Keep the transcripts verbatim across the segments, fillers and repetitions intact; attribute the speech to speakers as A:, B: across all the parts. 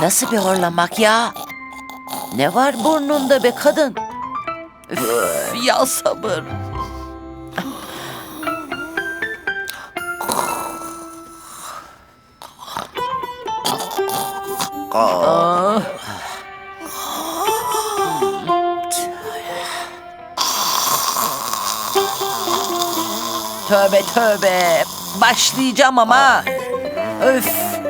A: nasıl bir horlamak ya? Ne var burnunda be kadın? Üf, ya sabır. Aa. Tövbe tövbe. Başlayacağım ama. Öf.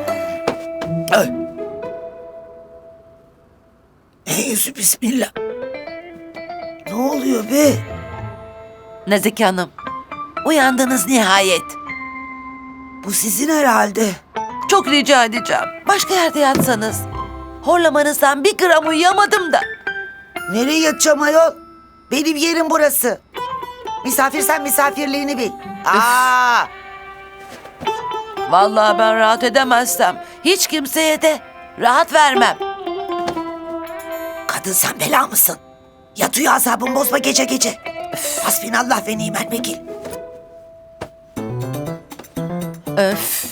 B: Eyyüzü bismillah. Ne oluyor be?
A: Nazike Hanım, uyandınız nihayet.
B: Bu sizin herhalde.
A: Çok rica edeceğim. Başka yerde yatsanız. Horlamanızdan bir gram uyuyamadım da.
B: Nereye yatacağım ayol? Benim yerim burası. Misafirsen misafirliğini bil. Aa,
A: Vallahi ben rahat edemezsem hiç kimseye de rahat vermem.
B: kadın sen bela mısın? Yatıyor azabın bozma gece gece. Hasbinallah ve ni'mel vekil.
A: Öf.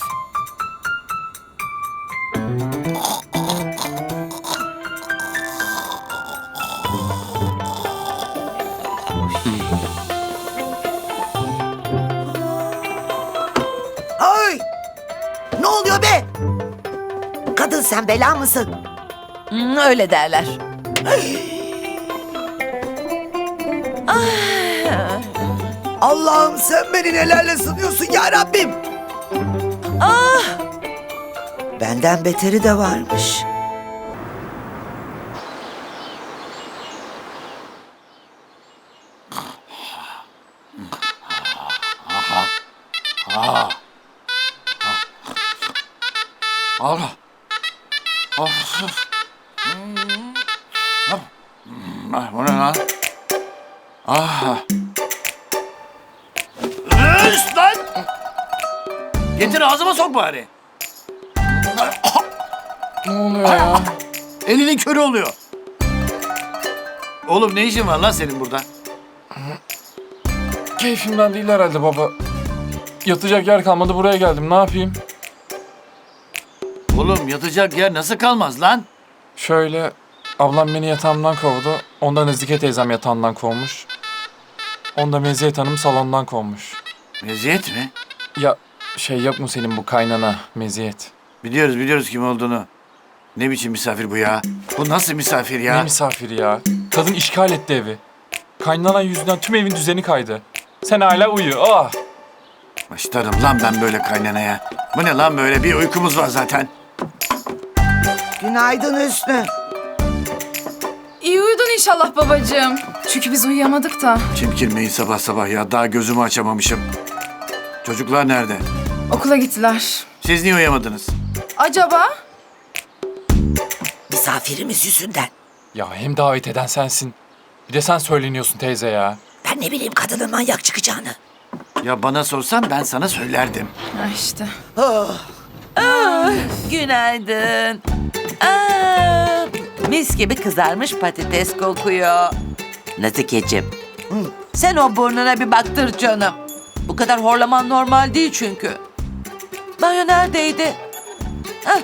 B: Ay! Ne oluyor be? Kadın sen bela mısın?
A: Hmm, öyle derler.
B: Allah'ım sen beni nelerle sınıyorsun ya Rabbim.
A: Ah!
B: Benden beteri de varmış.
C: Allah. Of. Ah, bu ne lan? Ah. Üst lan! Getir ağzıma sok bari.
D: Ne oluyor ya?
C: Elinin körü oluyor. Oğlum ne işin var lan senin burada?
D: Keyfimden değil herhalde baba. Yatacak yer kalmadı, buraya geldim. Ne yapayım?
C: Oğlum yatacak yer nasıl kalmaz lan?
D: Şöyle, ablam beni yatağımdan kovdu. Ondan Nazike teyzem yatağından kovmuş. Onda Meziyet Hanım salondan kovmuş.
C: Meziyet mi?
D: Ya şey yok mu senin bu kaynana Meziyet?
C: Biliyoruz biliyoruz kim olduğunu. Ne biçim misafir bu ya? Bu nasıl misafir ya?
D: Ne misafiri ya? Kadın işgal etti evi. Kaynanan yüzünden tüm evin düzeni kaydı. Sen hala uyu. Ah!
C: Başlarım lan ben böyle kaynanaya. Bu ne lan böyle, bir uykumuz var zaten.
B: Günaydın Hüsnü.
E: İyi uyudun inşallah babacığım. Çünkü biz uyuyamadık da.
C: Çimkirmeyin sabah sabah ya, daha gözümü açamamışım. Çocuklar nerede?
E: Okula gittiler.
C: Siz niye uyuyamadınız?
E: Acaba?
B: Misafirimiz yüzünden.
D: Ya hem davet eden sensin. Bir de sen söyleniyorsun teyze ya.
B: Ben ne bileyim kadının manyak çıkacağını.
C: Ya bana sorsan ben sana söylerdim.
E: Ha işte.
A: Günaydın. Aa, mis gibi kızarmış patates kokuyor. Nazikeciğim, sen o burnuna bir baktır canım. Bu kadar horlaman normal değil çünkü. Banyo neredeydi? Hah.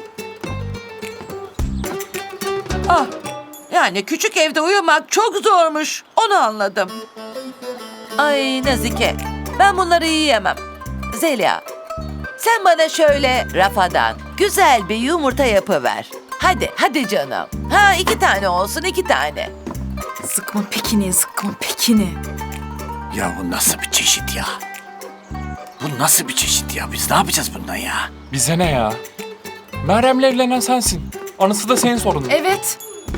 A: Ah, yani küçük evde uyumak çok zormuş. Onu anladım. Ay Nazike, ben bunları yiyemem. Zeliha, sen bana şöyle rafadan güzel bir yumurta yapıver. Hadi, hadi canım. Ha iki tane olsun, iki tane.
E: Sıkma pekini, sıkma pekini.
C: Ya bu nasıl bir çeşit ya? Bu nasıl bir çeşit ya? Biz ne yapacağız bundan ya?
D: Bize ne ya? Meryem'le evlenen sensin. Anısı da senin sorunun.
E: Evet.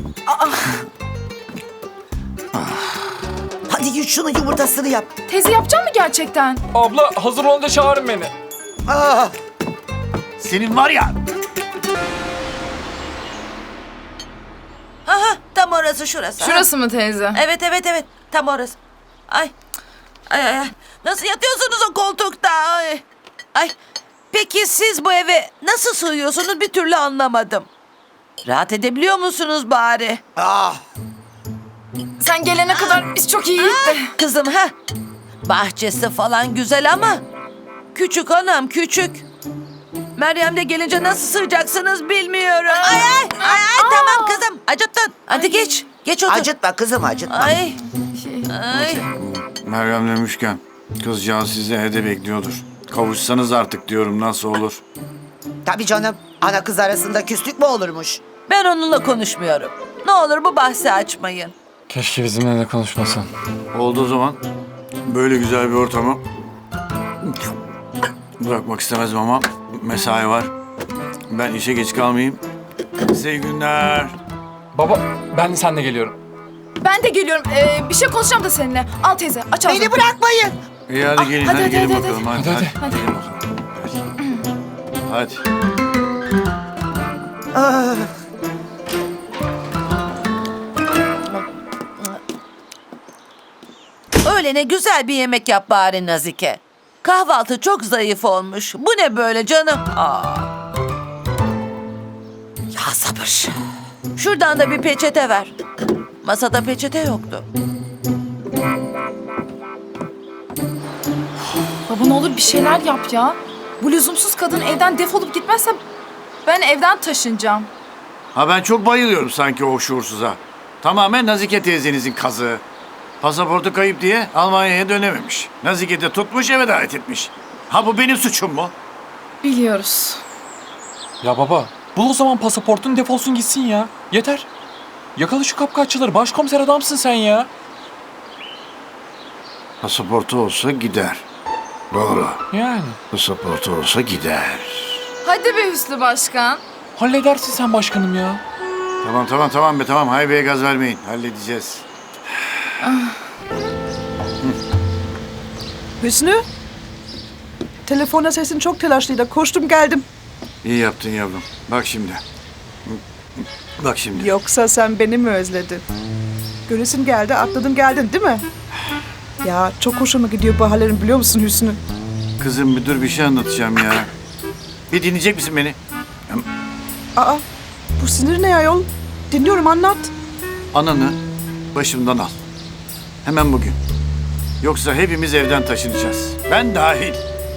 B: Hadi yut şunu yumurtasını yap.
E: Teyze yapacak mı gerçekten?
D: Abla hazır olunca çağırın beni.
B: Aa,
C: Senin var ya...
A: Aha, tam orası şurası. ha.
E: Şurası mı teyze?
A: Evet, evet, evet. Tam orası. Ay, ay, ay. ay. Nasıl yatıyorsunuz o koltukta? Ay. Ay. Peki siz bu eve nasıl sığıyorsunuz bir türlü anlamadım. Rahat edebiliyor musunuz bari?
B: ah.
E: Sen gelene kadar biz çok iyiydik de.
A: Kızım ha. Bahçesi falan güzel ama küçük anam küçük. Meryem de gelince nasıl sığacaksınız bilmiyorum. Ay ay ay, ay tamam kızım acıttın. Hadi geç. Geç otur.
B: Acıtma kızım acıtma.
A: Ay. Ay.
C: Meryem demişken kızcağız sizi evde bekliyordur. Kavuşsanız artık diyorum, nasıl olur?
B: Tabii canım. Ana kız arasında küslük mü olurmuş?
A: Ben onunla konuşmuyorum. Ne olur bu bahsi açmayın.
D: Keşke bizimle de konuşmasan.
C: Oldu o zaman. Böyle güzel bir ortamı bırakmak istemezdim ama mesai var. Ben işe geç kalmayayım. Size iyi günler.
D: Baba ben de seninle geliyorum.
E: Ben de geliyorum. Ee, bir şey konuşacağım da seninle. Al teyze aç ağzını.
B: Beni bırakmayın.
C: İyi hadi gelin,
E: hadi,
C: hadi,
E: hadi,
C: gelin
E: hadi,
C: bakalım. Hadi,
D: hadi.
C: hadi.
E: Hadi.
C: Gelin bakalım. Hadi. Hadi.
B: Ah,
A: Öğlene güzel bir yemek yap bari Nazike. Kahvaltı çok zayıf olmuş. Bu ne böyle canım? Aa.
B: ya sabır.
A: Şuradan da bir peçete ver. Masada peçete yoktu.
E: Baba ne olur bir şeyler yap ya. Bu lüzumsuz kadın evden defolup gitmezse ben evden taşınacağım.
C: Ha ben çok bayılıyorum sanki o şuursuza. Tamamen Nazike teyzenizin kazığı. Pasaportu kayıp diye Almanya'ya dönememiş. Nazike de tutmuş, eve davet etmiş. Ha bu benim suçum mu?
E: Biliyoruz.
D: Ya baba bul o zaman pasaportun, defolsun gitsin ya. Yeter. Yakala şu kapkaççıları, başkomiser adamsın sen ya.
C: Pasaportu olsa gider. Doğru.
D: Yani.
C: Pasaportu olsa gider.
E: Hadi be Hüsnü Başkan.
D: Halledersin sen başkanım ya.
C: Tamam tamam tamam be tamam. Haybeye gaz vermeyin. Halledeceğiz.
F: Hüsnü? Telefona sesin çok telaşlıydı. Koştum geldim.
C: İyi yaptın yavrum. Bak şimdi. Bak şimdi.
F: Yoksa sen beni mi özledin? Göresin geldi, atladın geldin değil mi? Ya çok hoşuma gidiyor bu hallerin biliyor musun Hüsnü?
C: Kızım bir dur, bir şey anlatacağım ya. Bir dinleyecek misin beni?
F: Aa, bu sinir ne ayol? Dinliyorum anlat.
C: Ananı başımdan al. Hemen bugün. Yoksa hepimiz evden taşınacağız. Ben dahil.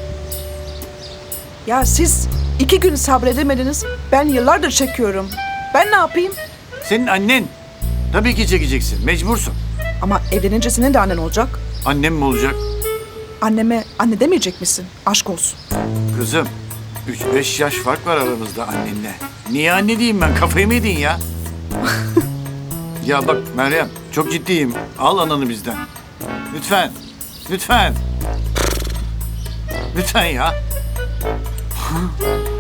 F: Ya siz iki gün sabredemediniz. Ben yıllardır çekiyorum. Ben ne yapayım?
C: Senin annen. Tabii ki çekeceksin. Mecbursun.
F: Ama evlenince senin de annen olacak.
C: Annem mi olacak?
F: Anneme anne demeyecek misin? Aşk olsun.
C: Kızım, üç beş yaş fark var aramızda annenle. Niye anne diyeyim ben? Kafayı mı yedin ya? Ya bak Meryem, çok ciddiyim. Al ananı bizden. Lütfen. Lütfen. Lütfen ya.